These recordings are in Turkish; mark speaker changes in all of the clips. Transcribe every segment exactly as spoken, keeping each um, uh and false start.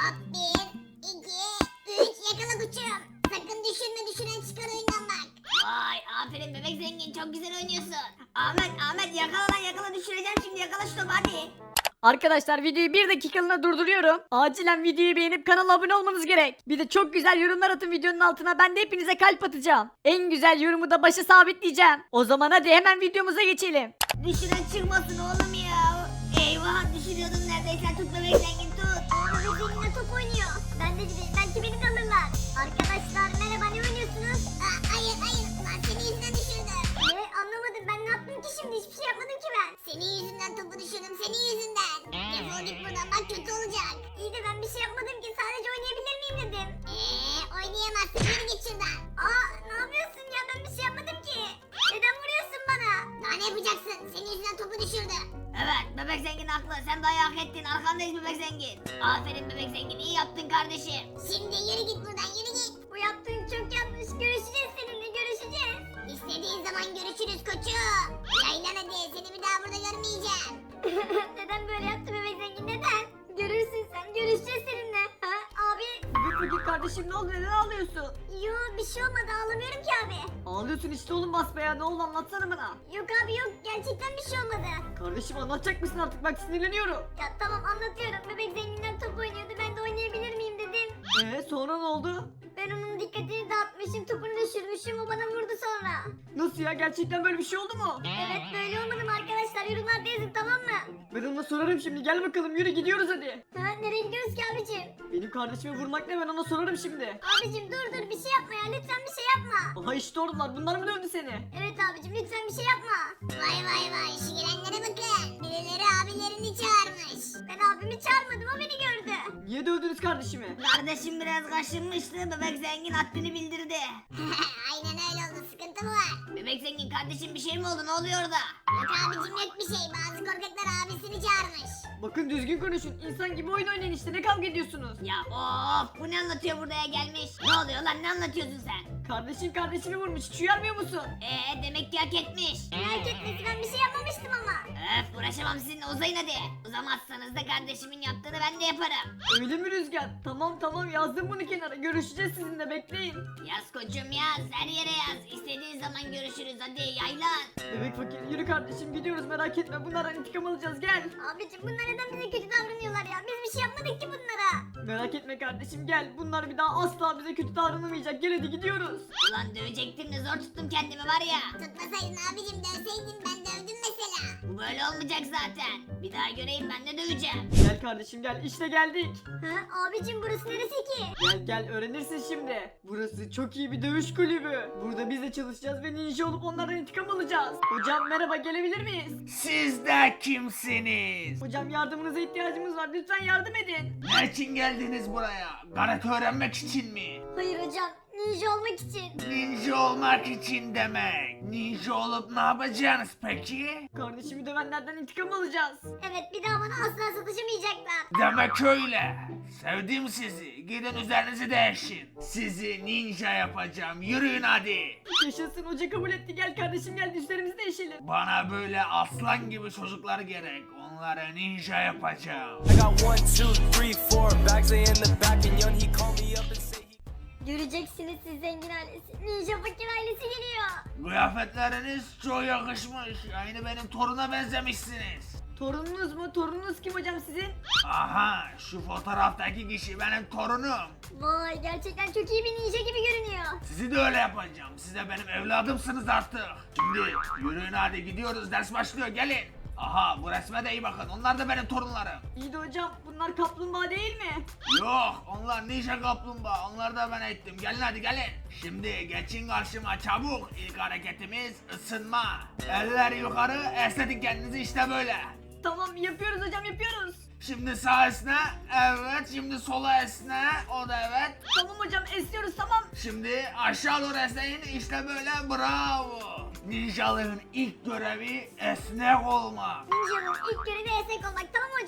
Speaker 1: Hop bir, iki, üç yakala koçum. Sakın düşürme düşüren çıkar oyundan bak.
Speaker 2: Vay aferin bebek zengin çok güzel oynuyorsun. Ahmet Ahmet yakala lan yakala düşüreceğim şimdi yakala şu topu hadi.
Speaker 3: Arkadaşlar videoyu bir dakikalığına durduruyorum. Acilen videoyu beğenip kanala abone olmanız gerek. Bir de çok güzel yorumlar atın videonun altına. Ben de hepinize kalp atacağım. En güzel yorumu da başa sabitleyeceğim. O zaman hadi hemen videomuza geçelim.
Speaker 2: Düşüren çıkmasın oğlum ya. Eyvah düşürüyordum neredeyse tut bebek zengin tut.
Speaker 1: Bebek zenginle top oynuyor. Ben de gideyim belki beni de alırlar. Arkadaşlar merhaba ne oynuyorsunuz? Aa, hayır hayır lan senin yüzünden düşürdüm. Ne anlamadım ben ne yaptım ki şimdi hiçbir şey yapmadım ki ben. Senin yüzünden topu düşürdüm senin yüzünden. Defol git buradan bak kötü olacak. İyi de ben bir şey yapmadım ki sadece oynayabilir miyim dedim. Eee oynayamazsın yürü git şuradan. Aa ne yapıyorsun ya ben bir şey yapmadım ki. Neden vuruyorsun bana? Daha ne yapacaksın senin yüzünden topu düşürdü.
Speaker 2: Evet bebek zengin haklı sen dayağı hak ettin arkandayız bebek zengin. Aferin bebek zengin iyi yaptın kardeşim.
Speaker 1: Şimdi yürü git buradan yürü git. Bu yaptığın çok yanlış görüşeceğiz seninle görüşeceğiz. İstediğin zaman görüşürüz koçum. Yaylan hadi seni bir daha burada görmeyeceğim. Neden böyle yaptı bebek zengin neden? Görürsün sen görüşeceğiz seninle. Ha abi?
Speaker 3: Bebek fakir kardeşim ne oldu neden ağlıyorsun?
Speaker 1: Yo bir şey olmadı ağlamıyorum ki abi.
Speaker 3: Ağlıyorsun işte oğlum basbaya ne oldu anlatsana bana.
Speaker 1: Yok abi yok gerçekten bir şey olmadı.
Speaker 3: Kardeşim anlatacak mısın artık bak sinirleniyorum.
Speaker 1: Ya tamam anlatıyorum bebek zenginden top oynuyordu ben de oynayabilir miyim dedim.
Speaker 3: Eee sonra ne oldu?
Speaker 1: Ben onun dikkatini dağıtmışım topunu düşürmüşüm o bana vurdu sonra.
Speaker 3: Nasıl ya gerçekten böyle bir şey oldu mu?
Speaker 1: Evet böyle olmadı mı arkadaşlar yorumlarda yazın tamam mı?
Speaker 3: Ben ona sorarım şimdi gel bakalım yürü gidiyoruz hadi.
Speaker 1: Ha nereye gidiyoruz ki abicim?
Speaker 3: Benim kardeşime vurmak ne ben ona sorarım şimdi.
Speaker 1: Abicim dur dur bir şey yapma ya lütfen bir şey yapma.
Speaker 3: Aha işte oradalar bunlar mı dövdü seni?
Speaker 1: Evet abicim lütfen bir şey yapma. Vay vay vay şu gelenlere bakın. Birileri abilerini çağırmış. Ben abimi çağırmadım o beni gördü.
Speaker 3: Niye dövdünüz kardeşimi?
Speaker 2: Kardeşim biraz kaşınmıştı bebek zengin haddini bildirdi.
Speaker 1: Aynen öyle oldu sıkıntı mı var?
Speaker 2: Bebek zengin kardeşim bir şey mi oldu ne oluyor orada?
Speaker 1: Yok abicim yok bir şey bazı korkaklar abisini çağırmış.
Speaker 3: Bakın düzgün konuşun insan gibi oyun oynayın işte ne kavga ediyorsunuz?
Speaker 2: Ya of bu ne anlatıyor buraya gelmiş? Ne oluyor lan ne anlatıyorsun sen?
Speaker 3: Kardeşin kardeşimi vurmuş hiç uyarmıyor musun?
Speaker 2: Eee demek ki hak etmiş.
Speaker 1: Merak etmesin ben bir şey yapmamıştım ama.
Speaker 2: Öf uğraşamam sizinle uzayın hadi. Uzamazsanız da kardeşimin yaptığını ben de yaparım.
Speaker 3: Öyle mi Rüzgar? Tamam tamam yazdım bunu kenara görüşeceğiz sizinle bekleyin.
Speaker 2: Yaz koçum yaz her yere yaz. İstediğin zaman görüşürüz hadi yaylan.
Speaker 3: Bebek fakir yürü kardeşim gidiyoruz merak etme bunlardan intikam alacağız gel.
Speaker 1: Abicim bunlar neden bize kötü davranıyorlar ya? Biz bir şey yapmadık ki bunlara.
Speaker 3: Merak etme kardeşim gel bunlar bir daha asla bize kötü davranılmayacak gel hadi gidiyoruz.
Speaker 2: Ulan dövecektim de zor tuttum kendimi var ya.
Speaker 1: Tutmasaydın abicim dövseydin ben dövdüm mesela.
Speaker 2: Bu böyle olmayacak zaten. Bir daha göreyim ben de döveceğim.
Speaker 3: Gel kardeşim gel işte geldik.
Speaker 1: Ha abicim burası neresi ki?
Speaker 3: Gel gel öğrenirsin şimdi. Burası çok iyi bir dövüş kulübü. Burada biz de çalışacağız ve ninja olup onlardan intikam alacağız. Hocam merhaba gelebilir miyiz?
Speaker 4: Siz de kimsiniz?
Speaker 3: Hocam yardımınıza ihtiyacımız var lütfen yardım edin.
Speaker 4: Ne için geldiniz buraya? Karate öğrenmek için mi?
Speaker 1: Hayır hocam ninja olmak için.
Speaker 4: Ninja olmak için demek. Ninja olup ne yapacaksınız peki?
Speaker 3: Kardeşimi dövenlerden intikam alacağız.
Speaker 1: Evet bir daha bana asla sataşamayacaklar.
Speaker 4: Demek öyle. Sevdim sizi. Gidin üzerinizi değişin. Sizi ninja yapacağım. Yürüyün hadi.
Speaker 3: Yaşasın hoca kabul etti gel kardeşim gel üstlerimizi değişelim.
Speaker 4: Bana böyle aslan gibi çocuklar gerek. Onlara ninja yapacağım.
Speaker 5: I got one, two, three, four bags in the back, and young he called me up and said he.
Speaker 1: Göreceksiniz siz zengin ailesi. Ninja fakir ailesi geliyor.
Speaker 4: Kıyafetleriniz çok yakışmış. Aynı benim toruna benzemişsiniz.
Speaker 3: Torununuz mu? Torununuz kim hocam sizin?
Speaker 4: Aha şu fotoğraftaki kişi benim torunum.
Speaker 1: Vay gerçekten çok iyi bir ninja gibi görünüyor.
Speaker 4: Sizi de öyle yapacağım. Siz de benim evladımsınız artık. Şimdi yürüyün hadi gidiyoruz ders başlıyor gelin. Aha bu resme de iyi bakın onlar da benim torunlarım.
Speaker 3: İyi de hocam bunlar kaplumbağa değil mi?
Speaker 4: Yok onlar ninja kaplumbağa onlar da ben ettim gelin hadi gelin. Şimdi geçin karşıma çabuk. İlk hareketimiz ısınma. Eller yukarı esnetin kendinizi işte böyle.
Speaker 3: Tamam yapıyoruz hocam yapıyoruz.
Speaker 4: Şimdi sağ esne evet şimdi sola esne o da evet.
Speaker 3: Tamam hocam esniyoruz tamam.
Speaker 4: Şimdi aşağı doğru esneyin işte böyle bravo. Ninjalığın ilk görevi esnek olmak.
Speaker 1: Ninja'nın ilk görevi esnek olmak tamam mı hocam?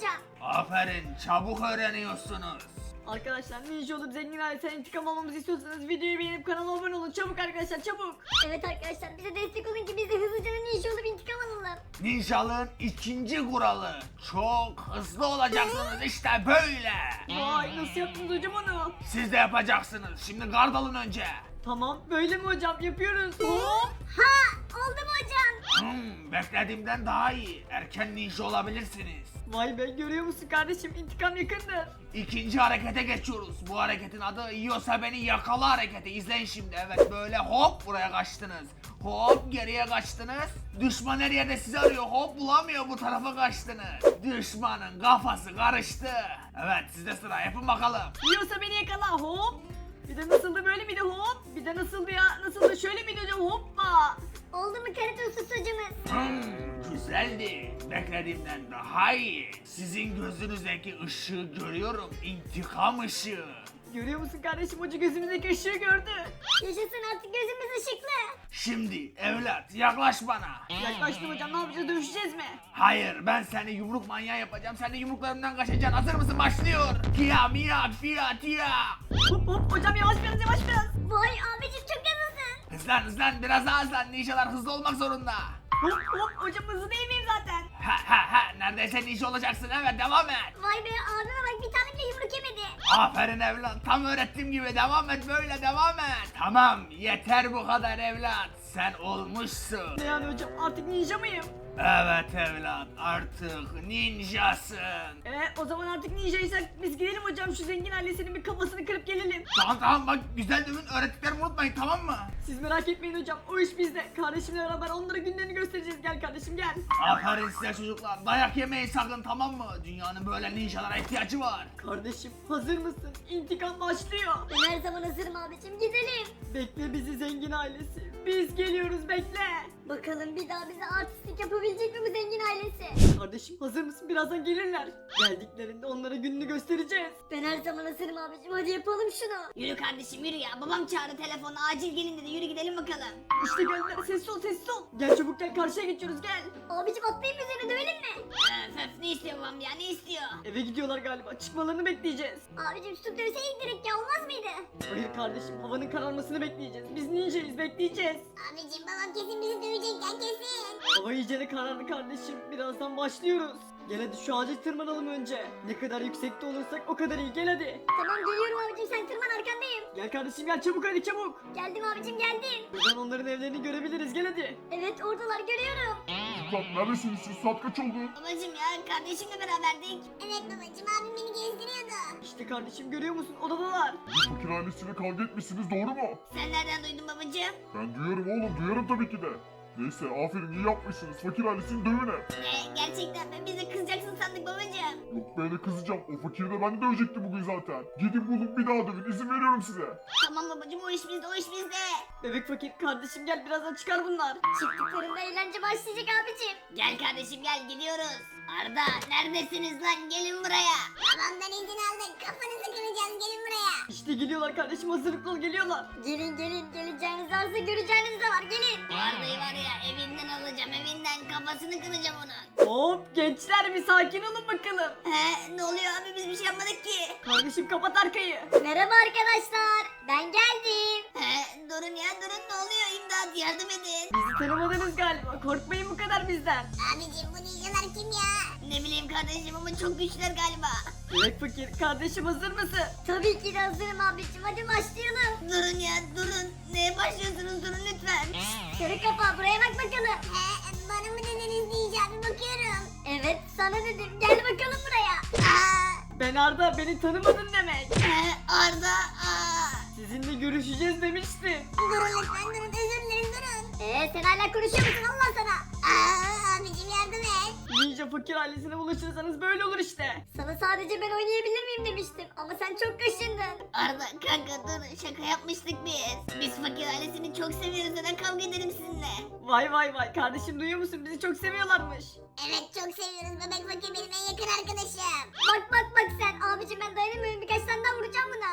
Speaker 4: Aferin, çabuk öğreniyorsunuz.
Speaker 3: Arkadaşlar ninja olup zengin ailesinden intikam almamızı istiyorsanız videoyu beğenip kanala abone olun. Çabuk arkadaşlar çabuk.
Speaker 1: Evet arkadaşlar bize destek olun ki biz de hızlıca ninja olup intikam alalım.
Speaker 4: Ninjalığın ikinci kuralı. Çok hızlı olacaksınız işte böyle.
Speaker 3: Vay nasıl yaptınız hocam onu?
Speaker 4: Siz de yapacaksınız. Şimdi gard alın önce.
Speaker 3: Tamam böyle mi hocam yapıyoruz? Hop.
Speaker 1: Ha oldu mu hocam?
Speaker 4: Hmm, beklediğimden daha iyi. Erken ninja olabilirsiniz.
Speaker 3: Vay be görüyor musun kardeşim intikam yakındır.
Speaker 4: İkinci harekete geçiyoruz. Bu hareketin adı yiyorsa beni yakala hareketi. İzleyin şimdi. Evet böyle hop buraya kaçtınız. Hop geriye kaçtınız. Düşman her yerde sizi arıyor. Hop bulamıyor bu tarafa kaçtınız. Düşmanın kafası karıştı. Evet sizde sıra yapın bakalım.
Speaker 3: Yiyorsa beni yakala hop. Bir de nasıldı böyle miydi hop. Bir de nasıldı ya nasıldı şöyle miydi hocam hoppa.
Speaker 1: Oldu mu karate ustası hocamız?
Speaker 4: Hmm, güzeldi. Beklediğimden daha iyi. Sizin gözünüzdeki ışığı görüyorum. İntikam ışığı.
Speaker 3: Görüyor musun kardeşim hoca gözümüzdeki ışığı gördü.
Speaker 1: Yaşasın artık gözümüz ışıklı.
Speaker 4: Şimdi evlat yaklaş bana.
Speaker 3: Yaklaştım hocam ne yapacağız dövüşeceğiz mi?
Speaker 4: Hayır ben seni yumruk manyağı yapacağım. Sen de yumruklarımdan kaçacaksın. Hazır mısın? Başlıyor. Tia mia fia tia.
Speaker 3: Hop hop hocam yavaş biraz yavaş biraz.
Speaker 1: Vay abicim çok hızlısın.
Speaker 4: Hızlan hızlan biraz daha hızlan. Ninjalar hızlı olmak zorunda.
Speaker 3: Hop hop hocam hızlı değil miyim zaten?
Speaker 4: Ha ha ha neredeyse ninja olacaksın. Evet devam et.
Speaker 1: Vay be abime bak bir tane bile yumruk yemedi.
Speaker 4: Aferin evlat. Tam öğrettiğim gibi devam et böyle devam et. Tamam yeter bu kadar evlat. Sen olmuşsun.
Speaker 3: Ne yani hocam artık ninja mıyım?
Speaker 4: Evet evlat artık ninjasın.
Speaker 3: Eee o zaman artık ninjaysak biz gidelim hocam şu zengin ailesinin bir kafasını kırıp gelelim.
Speaker 4: Tamam tamam bak güzel dövün öğrettiklerimi unutmayın tamam mı?
Speaker 3: Siz merak etmeyin hocam o iş bizde. Kardeşimle beraber onlara günlerini göstereceğiz gel kardeşim gel.
Speaker 4: Aferin size çocuklar. Dayak yemeyin sakın tamam mı? Dünyanın böyle ninjalara ihtiyacı var.
Speaker 3: Kardeşim hazır mısın? İntikam başlıyor.
Speaker 1: Ben her zaman hazırım abicim gidelim.
Speaker 3: Bekle bizi zengin ailesi. Biz geliyoruz bekle.
Speaker 1: Bakalım bir daha bize artistlik yapabilecek mi bu zengin ailesi?
Speaker 3: Kardeşim hazır mısın? Birazdan gelirler. Geldiklerinde onlara gününü göstereceğiz.
Speaker 1: Ben her zaman hazırım abicim hadi yapalım şunu.
Speaker 2: Yürü kardeşim yürü ya. Babam çağırdı telefonu. Acil gelin dedi. Yürü gidelim bakalım.
Speaker 3: İşte geldiler sessiz ol sessiz ol. Gel çabuk gel karşıya geçiyoruz gel.
Speaker 1: Abicim atlayayım üzerine dövelim mi?
Speaker 2: Öf öf ne istiyor babam ya ne istiyor?
Speaker 3: Eve gidiyorlar galiba çıkmalarını bekleyeceğiz.
Speaker 1: Abicim tutup dövseydik direkt ya olmaz mıydı?
Speaker 3: Hayır kardeşim havanın kararmasını bekleyeceğiz. Biz ninjayız bekleyeceğiz.
Speaker 1: Abicim babam kesin bizi dövecek ya kesin.
Speaker 3: Hava iyicene karardı kardeşim. Birazdan başlıyoruz. Gel hadi şu ağaca tırmanalım önce. Ne kadar yüksekte olursak o kadar iyi. Gel hadi.
Speaker 1: Tamam geliyorum abicim sen tırman arkandayım.
Speaker 3: Gel kardeşim gel çabuk hadi çabuk.
Speaker 1: Geldim abicim geldim.
Speaker 3: Buradan onların evlerini görebiliriz. Gel hadi.
Speaker 1: Evet oradalar görüyorum.
Speaker 6: Çocuklar neredesiniz siz? Saat kaç oldu?
Speaker 2: Babacım ya kardeşimle beraberdik.
Speaker 1: Evet babacım abim beni gezdiriyordu.
Speaker 3: İşte kardeşim görüyor musun? Odadalar.
Speaker 6: Bu fakir ailesiyle kavga etmişsiniz doğru mu?
Speaker 2: Sen nereden duydun babacım?
Speaker 6: Ben duyuyorum oğlum duyuyorum tabii ki de. Neyse aferin iyi yapmışsınız. Fakir ailesini dövün hep.
Speaker 2: Ne gerçekten mi? Bize kızacaksın sandık babacım.
Speaker 6: Yok böyle kızacağım. O fakiri de ben de dövecektim bugün zaten. Gidin bulun bir daha dövün. İzin veriyorum size.
Speaker 2: Tamam babacım o iş bizde o iş bizde.
Speaker 3: Bebek fakir kardeşim gel birazdan çıkar bunlar.
Speaker 1: Çıktıklarında eğlence başlayacak abicim.
Speaker 2: Gel kardeşim gel gidiyoruz. Arda neredesiniz lan gelin buraya.
Speaker 1: Babamdan izin aldık kafanızı kıracağız gelin buraya.
Speaker 3: İşte geliyorlar kardeşim hazırlıklı ol geliyorlar.
Speaker 1: Gelin gelin geleceğiniz varsa göreceğiniz de var gelin.
Speaker 2: Bu Arda'yı var ya evinden alacağım evinden kafasını kıracağım onun.
Speaker 3: Hop gençler bir sakin olun bakalım.
Speaker 2: He ne oluyor abi biz bir şey yapmadık ki.
Speaker 3: Kardeşim kapat arkayı.
Speaker 1: Merhaba arkadaşlar ben geldim.
Speaker 2: He durun ya durun ne oluyor imdat yardım edin.
Speaker 3: Bizi tanımadınız galiba. Korkmayın bu kadar bizden.
Speaker 1: Abicim bu ninjalar kim ya?
Speaker 2: Ne bileyim kardeşim ama çok güçler galiba.
Speaker 3: Bebek fakir kardeşim hazır mısın?
Speaker 1: Tabii ki de hazırım abicim hadi başlayalım.
Speaker 2: Durun ya durun. Neye başlıyorsunuz durun lütfen.
Speaker 1: Sarı kafa buraya bak bakalım. Ee, bana mı dediniz diyeceğim bakıyorum. Evet sana dedim gel bakalım buraya. Aa,
Speaker 3: Ben Arda beni tanımadın demek.
Speaker 2: He Arda aa.
Speaker 3: Sizinle görüşeceğiz demiştim.
Speaker 1: durun lütfen durun özür dilerim durun. Ee sen hala konuşuyor musun Allah sana? Aa, abicim yardım et.
Speaker 3: Ninja fakir ailesine ulaşırsanız böyle olur işte.
Speaker 1: Sana sadece ben oynayabilir miyim demiştim ama sen çok kaşındın.
Speaker 2: Arda kanka dur şaka yapmıştık biz. Biz fakir ailesini çok seviyoruz neden kavga edelim sizinle.
Speaker 3: Vay vay vay kardeşim duyuyor musun bizi çok seviyorlarmış.
Speaker 1: Evet çok seviyoruz bebek fakir benim en yakın arkadaşım. Bak bak bak sen abicim ben dayanamıyorum birkaç tane daha vuracağım buna.
Speaker 3: Olur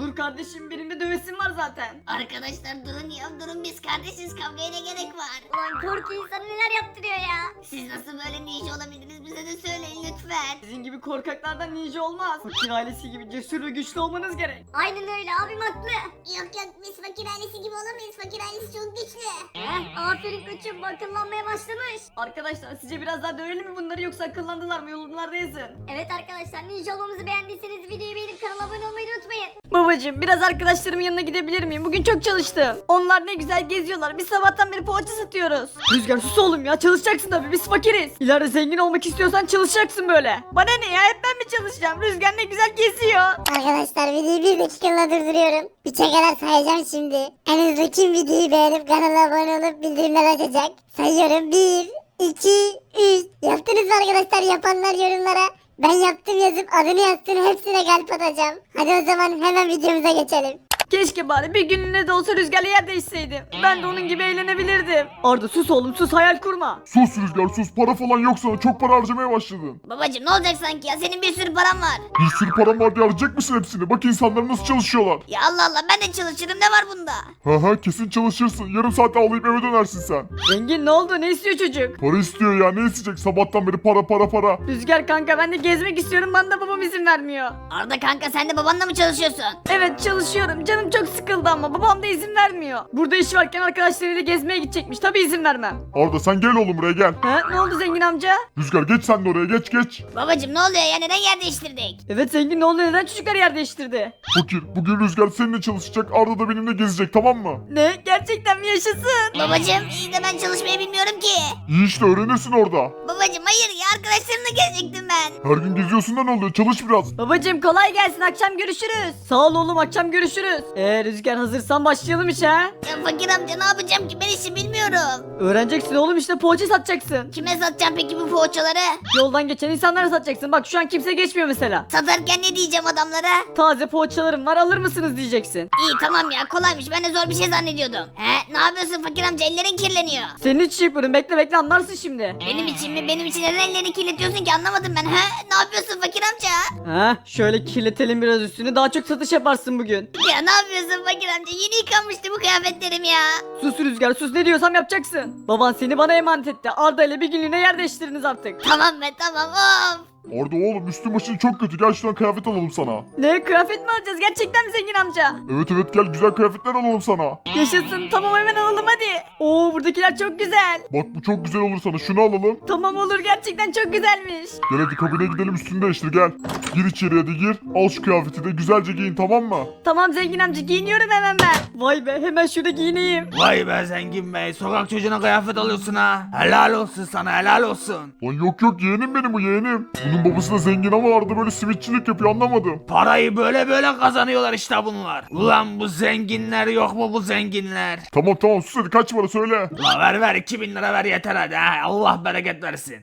Speaker 3: Olur kardeşim benim de dövesim var zaten.
Speaker 2: Arkadaşlar durun ya durun biz kardeşiz kavgaya ne gerek var?
Speaker 1: Ulan korku insanı neler yaptırıyor ya.
Speaker 2: Siz nasıl böyle ninja olabildiniz bize de söyleyin lütfen.
Speaker 3: Sizin gibi korkaklardan ninja olmaz. Fakir ailesi gibi cesur ve güçlü olmanız gerek.
Speaker 1: Aynen öyle abim haklı. Yok yok biz fakir ailesi gibi olamayız. Fakir ailesi çok güçlü. Heh, aferin koçum akıllanmaya başlamış.
Speaker 3: Arkadaşlar sizce biraz daha dövelim mi bunları yoksa akıllandılar mı yorumlarda yazın.
Speaker 1: Evet arkadaşlar ninja olmamızı beğendiyseniz videoyu beğenip kanala abone olmayı unutmayın.
Speaker 3: Babacım biraz arkadaşlarımın yanına gidebilir miyim? Bugün çok çalıştım. Onlar ne güzel geziyorlar. Biz sabahtan beri poğaça satıyoruz. Rüzgar sus oğlum ya çalışacaksın tabii biz fakiriz. İleride zengin olmak istiyorsan çalışacaksın böyle. Bana ne ya hep ben mi çalışacağım? Rüzgar ne güzel geziyor.
Speaker 1: Arkadaşlar videoyu bir dakikalığına durduruyorum. Üçe kadar sayacağım şimdi. En hızlı kim videoyu beğenip kanala abone olup bildirimler açacak? Sayıyorum bir, iki, üç. Yaptınız mı arkadaşlar yapanlar yorumlara? Ben yaptım yazıp adını yazsın hepsine kalp atacağım. Hadi o zaman hemen videomuza geçelim.
Speaker 3: Keşke bari bir günlüğüne de olsa Rüzgar'la yer değişseydim. Ben de onun gibi eğlenebilirdim. Arda sus oğlum sus hayal kurma.
Speaker 6: Sus Rüzgar sus, para falan yok sana, çok para harcamaya başladın.
Speaker 2: Babacım ne olacak sanki ya senin bir sürü paran var.
Speaker 6: Bir sürü param var diye harcayacak mısın hepsini? Bak insanlar nasıl çalışıyorlar.
Speaker 2: Ya Allah Allah ben de çalışırım ne var bunda?
Speaker 6: Ha ha kesin çalışırsın, yarım saate ağlayıp eve dönersin sen.
Speaker 3: Zengin ne oldu ne istiyor çocuk?
Speaker 6: Para istiyor ya, ne isteyecek sabahtan beri para para para.
Speaker 3: Rüzgar kanka ben de gezmek istiyorum bana da babam izin vermiyor.
Speaker 2: Arda kanka sen de babanla mı çalışıyorsun?
Speaker 3: Evet çalışıyorum canım çok sıkıldı ama babam da izin vermiyor. Burada iş varken arkadaşlarıyla gezmeye gidecekmiş tabi izin vermem.
Speaker 6: Arda sen gel oğlum buraya gel.
Speaker 3: He ne oldu zengin amca?
Speaker 6: Rüzgar geç sen de oraya, geç geç.
Speaker 2: Babacım ne oluyor ya neden yer değiştirdik?
Speaker 3: Evet zengin ne oldu neden çocuklar yer değiştirdi?
Speaker 6: Fakir bugün Rüzgar seninle çalışacak, Arda da benimle gezecek, tamam mı?
Speaker 3: Ne gerçekten mi yaşasın?
Speaker 2: Babacım iyi de ben çalışmayı bilmiyorum ki.
Speaker 6: İyi işte öğrenirsin orada.
Speaker 2: Babacım hayır ya arkadaşlarımla gezecektim ben.
Speaker 6: Her gün geziyorsun da ne oluyor, çalış biraz.
Speaker 3: Babacım kolay gelsin akşam görüşürüz. Sağ ol oğlum akşam görüşürüz. Eğer Rüzgar hazırsan başlayalım işe. ha?
Speaker 2: Ya fakir amca ne yapacağım ki ben işi bilmiyorum.
Speaker 3: Öğreneceksin oğlum işte poğaça satacaksın.
Speaker 2: Kime satacağım peki bu poğaçaları?
Speaker 3: Yoldan geçen insanlara satacaksın. Bak şu an kimse geçmiyor mesela.
Speaker 2: Satarken ne diyeceğim adamlara?
Speaker 3: Taze poğaçalarım var alır mısınız diyeceksin.
Speaker 2: İyi tamam ya kolaymış ben de zor bir şey zannediyordum. He ne yapıyorsun fakir amca ellerin kirleniyor.
Speaker 3: Senin için yapıyorum bekle bekle anlarsın şimdi.
Speaker 2: Benim için mi benim için neden ellerini kirletiyorsun ki anlamadım ben. He ne yapıyorsun fakir amca?
Speaker 3: Ha şöyle kirletelim biraz üstünü daha çok satış yaparsın bugün.
Speaker 2: Ya ne yapıyorsun fakir amca yeni yıkanmıştı bu kıyafetlerim ya.
Speaker 3: Sus Rüzgar sus ne diyorsam yapacaksın. Baban seni bana emanet etti. Arda ile bir günlüğüne yer değiştiriniz artık.
Speaker 2: Tamam be tamam of.
Speaker 6: Arda oğlum üstün başın çok kötü, gel şuradan kıyafet alalım sana.
Speaker 3: Ne kıyafet mi alacağız gerçekten mi zengin amca?
Speaker 6: Evet evet gel güzel kıyafetler alalım sana.
Speaker 3: Yaşasın tamam hemen alalım hadi. Oo buradakiler çok güzel.
Speaker 6: Bak bu çok güzel olur sana, şunu alalım.
Speaker 3: Tamam olur gerçekten çok güzelmiş.
Speaker 6: Gel hadi kabine gidelim, üstünü değiştir gel. Gir içeri hadi gir. Al şu kıyafeti de güzelce giyin, tamam mı?
Speaker 3: Tamam zengin amca giyiniyorum hemen ben. Vay be hemen şurada giyineyim.
Speaker 4: Vay be zengin bey, sokak çocuğuna kıyafet alıyorsun ha. Helal olsun sana, helal olsun.
Speaker 6: Lan yok yok yeğenim benim, bu yeğenim. Bunun babası da zengin ama Arda böyle simitçilik yapıyor, anlamadım.
Speaker 4: Parayı böyle böyle kazanıyorlar işte bunlar. Ulan bu zenginler yok mu bu zenginler?
Speaker 6: Tamam tamam sus hadi, kaç para söyle.
Speaker 4: La ver ver iki bin lira ver yeter hadi ha. Allah bereket versin.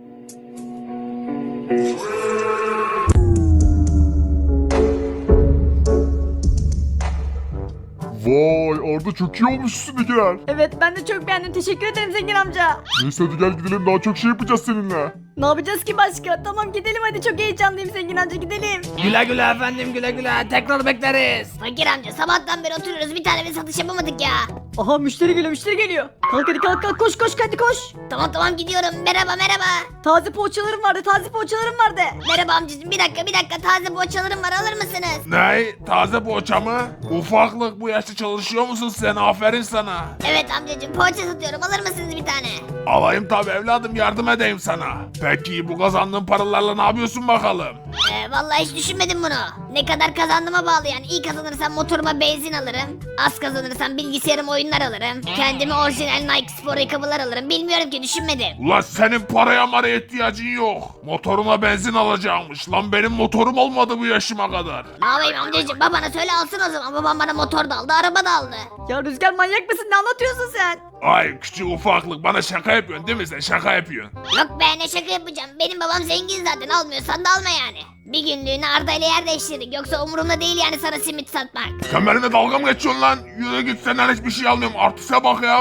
Speaker 6: Vay Arda çok iyi olmuş üstündekiler.
Speaker 3: Evet ben de çok beğendim teşekkür ederim zengin amca.
Speaker 6: Neyse hadi gel gidelim, daha çok şey yapacağız seninle.
Speaker 3: Ne yapacağız ki başka? Tamam gidelim hadi çok heyecanlıyım zengin amca gidelim.
Speaker 4: Güle güle efendim güle güle. Tekrar bekleriz.
Speaker 2: Fakir amca sabahtan beri oturuyoruz bir tane bir satış yapamadık ya.
Speaker 3: Aha müşteri geliyor müşteri geliyor. Kalk hadi kalk kalk koş koş hadi koş.
Speaker 2: Tamam tamam gidiyorum merhaba merhaba.
Speaker 3: Taze poğaçalarım vardı taze poğaçalarım vardı.
Speaker 2: Merhaba amcacığım bir dakika bir dakika taze poğaçalarım var alır mısınız?
Speaker 4: Ne? Taze poğaça mı? Ufaklık bu yaşta çalışıyor musun sen? Aferin sana.
Speaker 2: Evet amcacığım poğaça satıyorum alır mısınız bir tane?
Speaker 4: Alayım tabi evladım, yardım edeyim sana. Peki bu kazandığın paralarla ne yapıyorsun bakalım?
Speaker 2: Ee, vallahi hiç düşünmedim bunu. Ne kadar kazandığıma bağlı yani. İyi kazanırsam motoruma benzin alırım. Az kazanırsam bilgisayarıma oyunlar alırım. Kendime orijinal Nike spor ayakkabılar alırım. Bilmiyorum ki düşünmedim.
Speaker 4: Ulan senin paraya maraya ihtiyacın yok. Motoruna benzin alacakmış. Lan benim motorum olmadı bu yaşıma kadar.
Speaker 2: Ne yapayım amcacığım babana söyle alsın o zaman. Babam bana motor da aldı araba da aldı.
Speaker 3: Ya Rüzgar manyak mısın ne anlatıyorsun sen?
Speaker 4: Ay küçük ufaklık, bana şaka yapıyorsun değil mi sen? Şaka yapıyorsun.
Speaker 2: Yok be ne şaka yapacağım. Benim babam zengin zaten almıyorsan da alma yani. Bir günlüğüne Arda ile yer değiştirdik. Yoksa umurumda değil yani sana simit satmak.
Speaker 4: Sen benimle dalga mı geçiyorsun lan? Yürü git, senden hiçbir şey almıyorum. Artiste bak ya.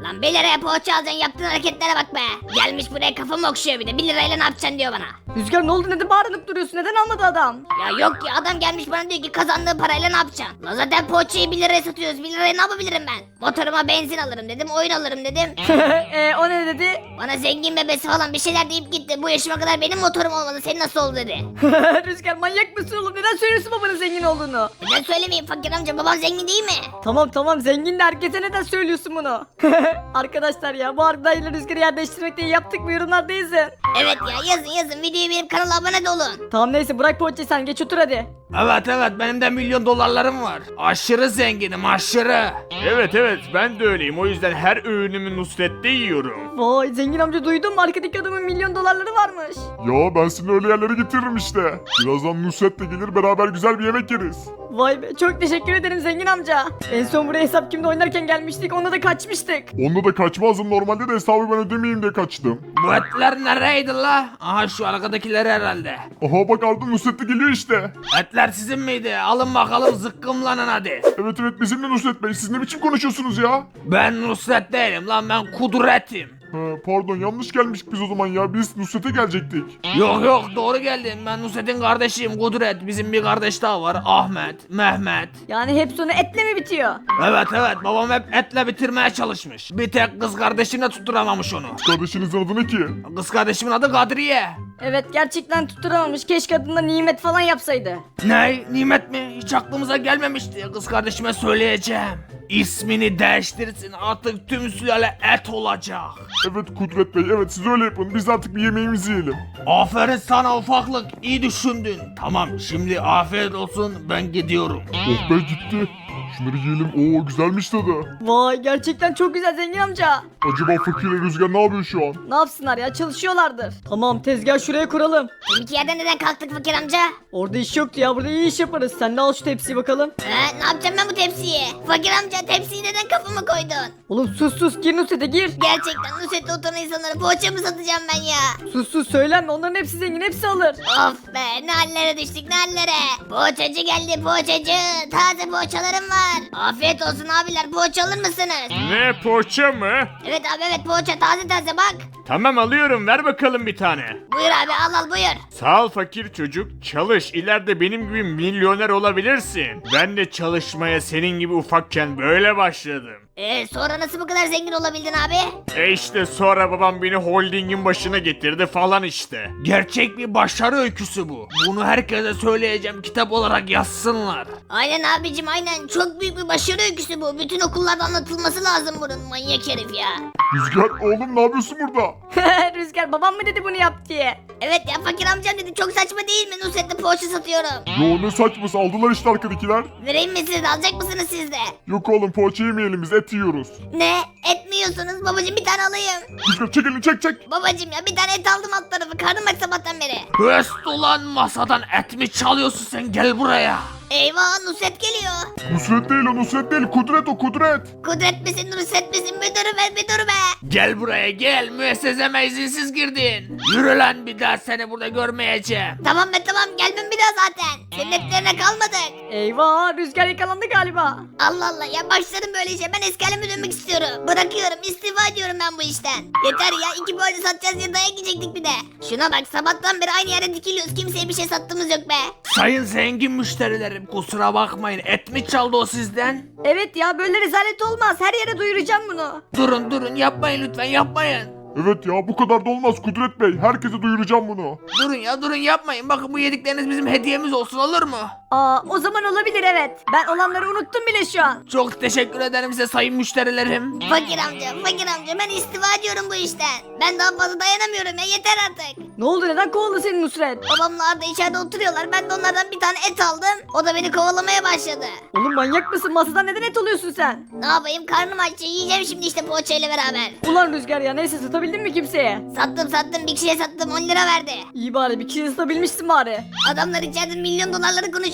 Speaker 2: Lan bir liraya poğaça alacaksın, yaptığın hareketlere bak be. Gelmiş buraya kafamı okşuyor bir de, bir lirayla ne yapacaksın diyor bana.
Speaker 3: Rüzgar ne oldu, neden bağırınıp duruyorsun, neden almadı adam?
Speaker 2: Ya yok ya, adam gelmiş bana diyor ki kazandığı parayla ne yapacaksın? Lan zaten poğaçayı bir liraya satıyoruz, bir liraya ne yapabilirim ben? Motoruma benzin alırım dedim, oyun alırım dedim.
Speaker 3: e, o ne dedi?
Speaker 2: Bana zengin bebesi falan bir şeyler deyip gitti. Bu yaşıma kadar benim motorum olmadı, senin nasıl oldu dedi.
Speaker 3: Rüzgar manyak mısın oğlum, neden söylüyorsun babanın zengin olduğunu?
Speaker 2: Neden söylemeyeyim fakir amca, babam zengin değil mi?
Speaker 3: Tamam tamam, zengin de herkese neden söylüyorsun bunu? Arkadaşlar ya, bu Arda'yla Rüzgar'ı yer değiştirmek diye yaptık mı, yorumlarda yazın.
Speaker 2: Evet ya, yazın yazın, videoyu benim kanala abone de olun.
Speaker 3: Tamam neyse, bırak poğaçayı sen, geç otur hadi.
Speaker 4: Evet evet, benim de milyon dolarlarım var. Aşırı zenginim, aşırı.
Speaker 7: Evet evet ben de öyleyim, o yüzden her öğünümü Nusret'te yiyorum.
Speaker 3: Vay zengin amca, duydun mu, arkadaki adamın milyon dolarları varmış.
Speaker 6: Ya ben seni öyle yerlere getiririm işte. Birazdan Nusret de gelir, beraber güzel bir yemek yeriz.
Speaker 3: Vay be, çok teşekkür ederim zengin amca. En son buraya hesap kimde oynarken gelmiştik, onda da kaçmıştık.
Speaker 6: Onda da kaçmazdım, normalde de hesabı ben ödemeyeyim diye kaçtım.
Speaker 4: Bu etler nereydi la? Aha şu arkadakiler herhalde.
Speaker 6: Aha bak Arda, Nusret de geliyor işte.
Speaker 4: Etler sizin miydi? Alın bakalım, zıkkımlanın hadi.
Speaker 6: Evet evet, bizimle Nusret Bey, siz ne biçim konuşuyorsunuz ya?
Speaker 4: Ben Nusret değilim lan, ben Kudret'im.
Speaker 6: Ha, pardon, yanlış gelmiştik biz o zaman ya, biz Nusret'e gelecektik.
Speaker 4: Yok yok, doğru geldin. Ben Nusret'in kardeşiyim, Kudret. Bizim bir kardeş daha var, Ahmet, Mehmet.
Speaker 3: Yani hep sonu etle mi bitiyor?
Speaker 4: Evet evet, babam hep etle bitirmeye çalışmış. Bir tek kız kardeşine tutturamamış onu.
Speaker 6: Kardeşinizin adı ne ki?
Speaker 4: Kız kardeşimin adı Kadriye.
Speaker 3: Evet, gerçekten tutturamamış, keşke adında Nimet falan yapsaydı.
Speaker 4: Ne? Nimet mi? Hiç aklımıza gelmemişti. Kız kardeşime söyleyeceğim. İsmini değiştirsin, artık tüm sülale et olacak.
Speaker 6: Evet Kudret Bey, evet siz öyle yapın, biz artık bir yemeğimizi yiyelim.
Speaker 4: Aferin sana ufaklık, iyi düşündün. Tamam, şimdi afiyet olsun, ben gidiyorum.
Speaker 6: Oh be, gitti. Şunları yiyelim, oo güzelmiş tadı.
Speaker 3: Vay, gerçekten çok güzel zengin amca.
Speaker 6: Acaba Fakir ile Rüzgar ne yapıyor şu an?
Speaker 3: Ne yapsınlar ya, çalışıyorlardır. Tamam, tezgah şuraya kuralım.
Speaker 2: Deminki yerden neden kalktık fakir amca?
Speaker 3: Orada iş yoktu ya, burada iyi iş yaparız. Sen de al şu tepsiyi bakalım.
Speaker 2: He, ne yapacağım ben bu tepsiyi? Fakir amca, tepsiyi neden kafama koydun?
Speaker 3: Oğlum sus sus, gir Nusret'e gir.
Speaker 2: Gerçekten Nusret'te oturan insanlara poğaça mı satacağım ben ya?
Speaker 3: Sus sus, söylenme, onların hepsi zengin, hepsi alır.
Speaker 2: Of be, ne hallere düştük, ne hallere. Poğaçacı geldi, poğaçacı. Taze poğaçalarım var. Afiyet olsun abiler, poğaça alır mısınız?
Speaker 7: Ne, poğaça mı?
Speaker 2: Evet abi, evet, poğaça taze taze bak.
Speaker 7: Tamam alıyorum, ver bakalım bir tane.
Speaker 2: Buyur abi, al al buyur.
Speaker 7: Sağ ol fakir çocuk, çalış, ileride benim gibi milyoner olabilirsin. Ben de çalışmaya senin gibi ufakken böyle başladım.
Speaker 2: Ee, sonra nasıl bu kadar zengin olabildin abi?
Speaker 7: E işte sonra babam beni holdingin başına getirdi falan işte.
Speaker 4: Gerçek bir başarı öyküsü bu. Bunu herkese söyleyeceğim, kitap olarak yazsınlar.
Speaker 2: Aynen abicim, aynen, çok büyük bir başarı öyküsü bu. Bütün okullarda anlatılması lazım bunun, manyak herif ya.
Speaker 6: Rüzgar oğlum, ne yapıyorsun burada?
Speaker 3: Rüzgar, babam mı dedi bunu yap diye?
Speaker 2: Evet ya, fakir amcam dedi, çok saçma değil mi, Nusret'te poğaça satıyorum.
Speaker 6: Yo ne saçması, aldılar işte arkadakiler.
Speaker 2: Vereyim mi siz de, alacak mısınız siz de?
Speaker 6: Yok oğlum, poğaça yemeyelim, biz et yiyoruz.
Speaker 2: Ne? Et mi yiyorsunuz? Babacım bir tane alayım.
Speaker 6: Rüzgar çek elini, çek çek.
Speaker 2: Babacım ya, bir tane et aldım alt tarafı, karnım aç sabahtan beri.
Speaker 4: Höst ulan, masadan et mi çalıyorsun sen, gel buraya.
Speaker 2: Eyvah, Nusret geliyor.
Speaker 6: Nusret değil o, Nusret değil, Kudret o, Kudret.
Speaker 2: Kudret misin, Nusret misin? Bir dur be, bir dur be.
Speaker 4: Gel buraya gel, müesseseme izinsiz girdin. Yürü lan, bir daha seni burada görmeyeceğim.
Speaker 2: Tamam be tamam, gelmem bir daha zaten. Senin etlerine kalmadık.
Speaker 3: Eyvah, Rüzgar yakalandı galiba.
Speaker 2: Allah Allah ya, başlarım böyle işe. Ben eski halime dönmek istiyorum. Bırakıyorum, istifa ediyorum ben bu işten. Yeter ya, iki poğaça satacağız diye dayak yiyecektik bir de. Şuna bak, sabahtan beri aynı yere dikiliyoruz. Kimseye bir şey sattığımız yok be.
Speaker 4: Sayın zengin müşterilerim, kusura bakmayın, et mi çaldı o sizden?
Speaker 3: Evet ya, böyle rezalet olmaz, her yere duyuracağım bunu.
Speaker 4: Durun durun, yapmayın lütfen, yapmayın.
Speaker 6: Evet ya, bu kadar da olmaz Kudret Bey, herkese duyuracağım bunu.
Speaker 4: Durun ya, durun, yapmayın. Bakın, bu yedikleriniz bizim hediyemiz olsun, olur mu?
Speaker 3: Aa, o zaman olabilir evet. Ben olanları unuttum bile şu an.
Speaker 4: Çok teşekkür ederim size sayın müşterilerim.
Speaker 2: Fakir amca, fakir amca, ben istifa ediyorum bu işten. Ben daha fazla dayanamıyorum ya, yeter artık.
Speaker 3: Ne oldu, neden kovuldu senin Nusret?
Speaker 2: Babamla Arda içeride oturuyorlar. Ben de onlardan bir tane et aldım. O da beni kovalamaya başladı.
Speaker 3: Oğlum manyak mısın, masadan neden et alıyorsun sen?
Speaker 2: Ne yapayım, karnım aç, yiyeceğim şimdi işte poğaçayla beraber.
Speaker 3: Ulan Rüzgar ya, neyse, satabildin mi kimseye?
Speaker 2: Sattım sattım, bir kişiye sattım, on lira verdi.
Speaker 3: İyi bari, bir kişiyi satabilmişsin bari.
Speaker 2: Adamlar içeride milyon dolarları konuşuyorlar.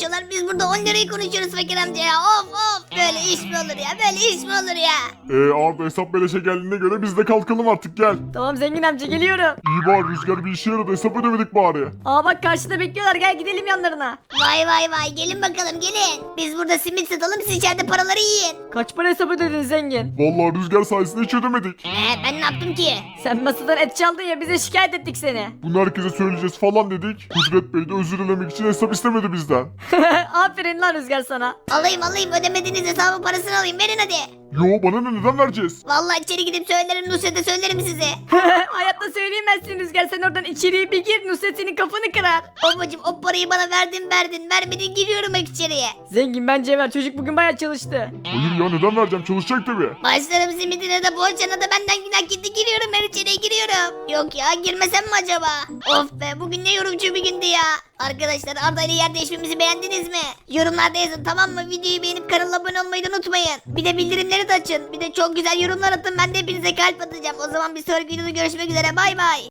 Speaker 2: konuşuyorlar. Biz burada on lirayı konuşuyoruz fakir amca ya. Of of. Böyle iş mi olur ya? Böyle iş mi olur ya?
Speaker 6: Ee Arda hesap beleşe geldiğine göre biz de kalkalım artık gel.
Speaker 3: Tamam zengin amca geliyorum.
Speaker 6: İyi bari Rüzgar bir işe yaradı hesap ödemedik bari.
Speaker 3: Aa bak karşıda bekliyorlar gel gidelim yanlarına.
Speaker 2: Vay vay vay gelin bakalım gelin. Biz burada simit satalım siz içeride paraları yiyin.
Speaker 3: Kaç para hesap ödedin zengin?
Speaker 6: Vallahi Rüzgar sayesinde hiç ödemedik.
Speaker 2: Ee, ben ne yaptım ki?
Speaker 3: Sen masadan et çaldın ya bize şikayet ettik seni.
Speaker 6: Bunu herkese söyleyeceğiz falan dedik. Kudret Bey de özür dilemek için hesap istemedi bizden.
Speaker 3: Aferin lan Rüzgar sana.
Speaker 2: Alayım alayım ödemediğiniz hesabın parasını alayım verin hadi.
Speaker 6: Yo bana ne neden vereceğiz?
Speaker 2: Vallahi içeri gidip söylerim Nusret'e söylerim size.
Speaker 3: Hayatta söyleyemezsin Rüzgar sen oradan içeriye bir gir Nusret senin kafanı kırar.
Speaker 2: Babacım o parayı bana verdin verdin vermedin giriyorum bak içeriye.
Speaker 3: Zengin bence ver çocuk bugün baya çalıştı.
Speaker 6: Hayır ya neden vereceğim çalışacak tabii.
Speaker 2: Başlarım simidine de poğaçana da benden günah gitti giriyorum ben içeriye giriyorum. Yok ya girmesem mi acaba? Of be bugün ne yorumcu bir gündü ya. Arkadaşlar Arda ile yer değişmemizi beğendiniz mi? Yorumlarda yazın tamam mı? Videoyu beğenip kanala abone olmayı da unutmayın. Bir de bildirimleri de açın. Bir de çok güzel yorumlar atın ben de hepinize kalp atacağım. O zaman bir sonraki videoda görüşmek üzere bay bay.